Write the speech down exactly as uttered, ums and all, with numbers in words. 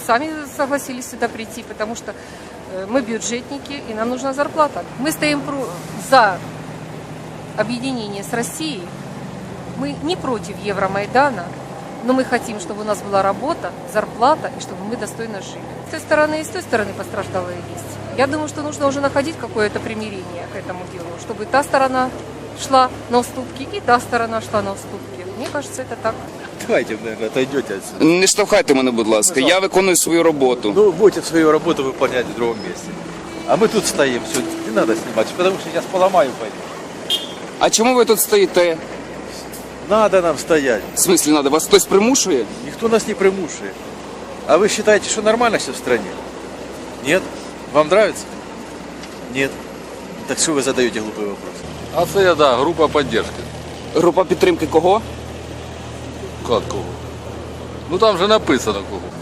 сами согласились сюда прийти, потому что мы бюджетники, и нам нужна зарплата. Мы стоим за объединение с Россией. Мы не против Евромайдана, но мы хотим, чтобы у нас была работа, зарплата, и чтобы мы достойно жили. С той стороны и с той стороны пострадалые есть. Я думаю, что нужно уже находить какое-то примирение к этому делу, чтобы та сторона шла на уступки, и та сторона шла на уступки. Мне кажется, это так. Давайте, наверное, отойдете отсюда. Не штовхайте мене, будь ласка. Я виконую свою роботу. Ну, будете свою работу выполнять в другом месте. А мы тут стоим, все, не надо снимать, потому что сейчас поломаю пойду. А чому ви тут стоїте? Надо нам стоять. В смислі надо? Вас хтось примушує? Никто нас не примушивает. А вы считаете, что нормально все в стране? Нет? Вам нравится? Нет. Так что вы задаете глупые вопросы? А це я, да, група підтримки. Група підтримки кого? Як кого? Ну там же написано кого.